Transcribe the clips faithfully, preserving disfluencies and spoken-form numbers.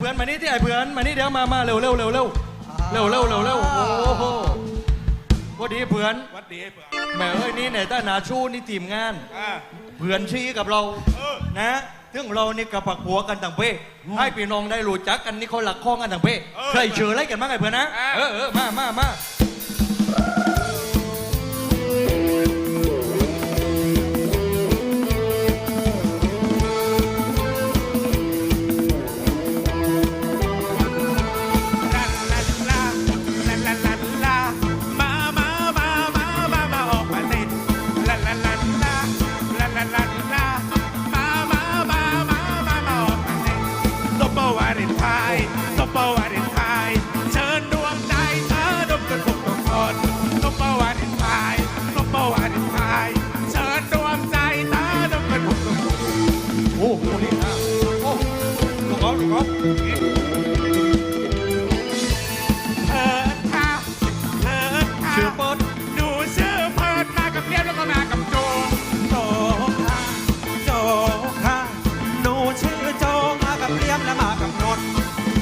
อนมานี่ที่ไอ้เพื่อนมานี่เดี๋ยวมามาเร็วเร็วเร็วเร็วเร็วเร็วเร็วเร็วโอ้โหพอดีเพื่อนวัดดีเพื่อนแม่เอ้ยนี่ไหนต้านาชูนี่ทีมงานเพื่อนชี้กับเรานะถึงเรานี่กับปักหัวกันต่างเป้ให้พี่น้องได้รู้จักกันนี่เขาหลักข้องกันต่างเป้ใครเชื่ออะไรกันบ้างไอ้เพื่อนนะเออเออมามามาโอ้โหนี่นะโอ้ลูกเขาลูกเขาเพิร์ดค่ะเพิร์ดค่ะชื่อเพิร์ดดูชื่อเพิร์ดมากับเพียบแล้วก็มากับโจโจค่ะโจค่ะหนูชื่อโจมากับเพียบแล้วมากับนนท์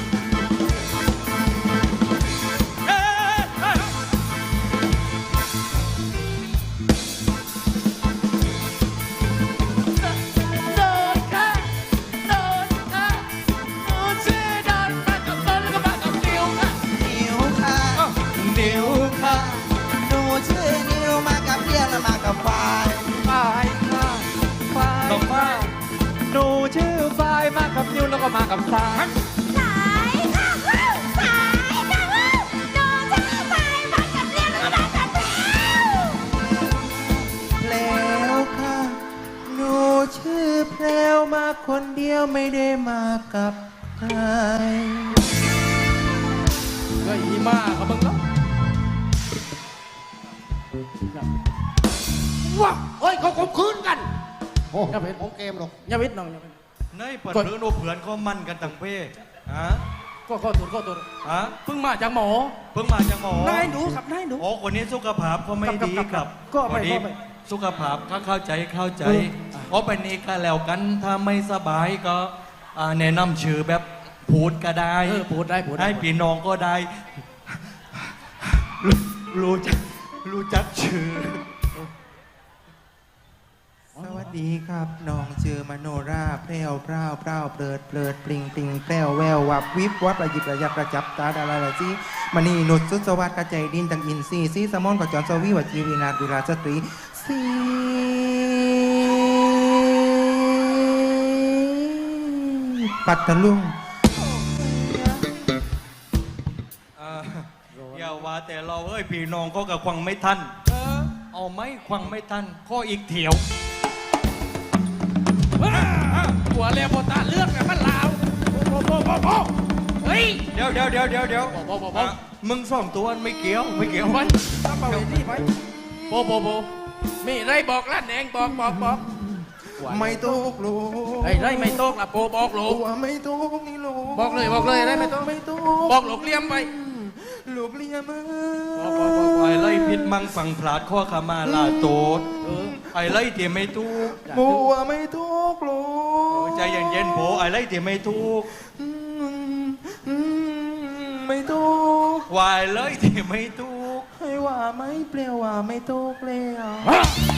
มากับฝ่ายฝ่ายค่ะฝ่ายกับฝ่ายหนูชื่อฝ่ายมากับนิวแล้วก็มากับสายสายค่ะสายค่ะหนูชื่อฝ่ายมากับนิวแล้วก็มากับแล้วค่ะหนูชื่อแพรวมาคนเดียวไม่ได้มากับใครก็อีมากับมึงเนาะว้าเฮ้ยเขาข่มขืนกันโอ้ยเป็นของเกมหรอกยาวิทน้องยาวิทในปัดเพื่อนโอเพื่อนเขามั่นกันต่างเพศฮะก็ข้อตัวข้อตัวฮะเพิ่งมาจากหมอเพิ่งมาจากหมอนายหนูครับนายหนูโอ้คนนี้สุขภาพก็ไม่ดีครับก็ไปสุขภาพก็เข้าใจเข้าใจเพราะเป็นนี้ก็แล้วกันถ้าไม่สบายก็แนะนำชื่อแบบพูดก็ได้พูดได้พูดได้พี่น้องก็ได้รู้จักรู้จักชื่อสวัสดีครับน้องชื่อมโนราแพรวพร้าวพร้าวเปลิดเปลิดปลิงปลิงแพรวแวววับวิบวับระยิบระยับระจับตาดาราละจีมณีนุชสุสวัสดิ์กระใจดินตังอินซีซีสมอนกจรสวีวจีวีนาดุราสตรีสีปัตตลุงอย่าว่าแต่เราเอ้ยพี่น้องก็กับควังไม่ทันเอาไหมควังไม่ทันข้ออีกเถียวหัวเรียบตาเลือกแบบมันลาวโบโบโบโบเฮ้ยเดี๋ยวเดี๋ยวเดี๋ยวเดี๋ยวเดี๋ยวโบโบโบมึงสองตัวไม่เกี่ยวไม่เกี่ยวไปทำไปนี่ไปโบโบโบมีไรบอกลั่นเองบอกบอกบอกไม่ตกลูกไอ้ไรไม่ตกล่ะโบบอกลูกไม่ตกนี่ลูกบอกเลยบอกเลยไรไม่ตกไม่ตกบอกลูกเลี้ยมไปลูกเลี้ยมบอกบอกบอกไอ้ไรพิษมังฝังพลาดข้อขามาลาโตดไอ้ไรเตี๋ยไม่ทุกบัวไม่ทุกลูกใจเย็นเย็นโผไอ้ไรเตี๋ยไม่ทุกไม่ทุกวายเลยเตี๋ยไม่ทุกให้ว่าไม่เปลี่ยวว่าไม่ทุกเลย